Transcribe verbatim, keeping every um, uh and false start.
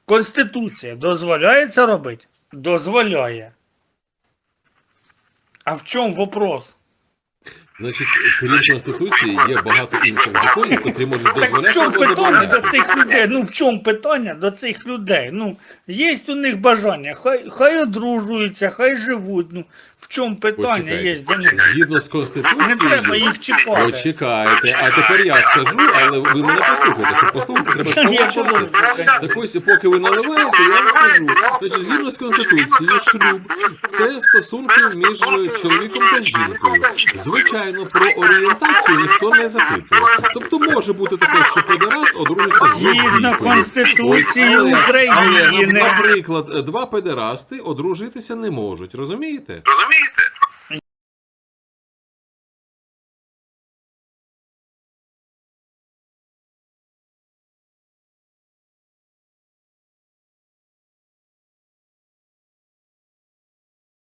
Конституція дозволяє це робити? Дозволяє. А в чому вопрос? Значить, крім Конституції, є багато інших законів, які можуть Так в дозволяти чому або питання до забороняти. цих людей? Ну в чому питання до цих людей? Ну, є у них бажання, хай, хай одружуються, хай живуть. Ну, в чому питання Почекайте. є до них? Згідно з Не треба Конституцією, їх чіпати. почекайте, а тепер я скажу, але ви мене послухайте, щоб послухати, треба Я помовчати. послухаю. Так ось, поки ви наливаєте, я вам скажу. Значить, згідно з Конституцією, шлюб – це стосунки між чоловіком та жінкою. Звичайно, про орієнтацію ніхто не запитує. Тобто може бути таке, що педераст одружиться з Згідно лесбійкою. Конституції Ось, але- України. Але, наприклад, два педерасти одружитися не можуть, розумієте? Розумієте?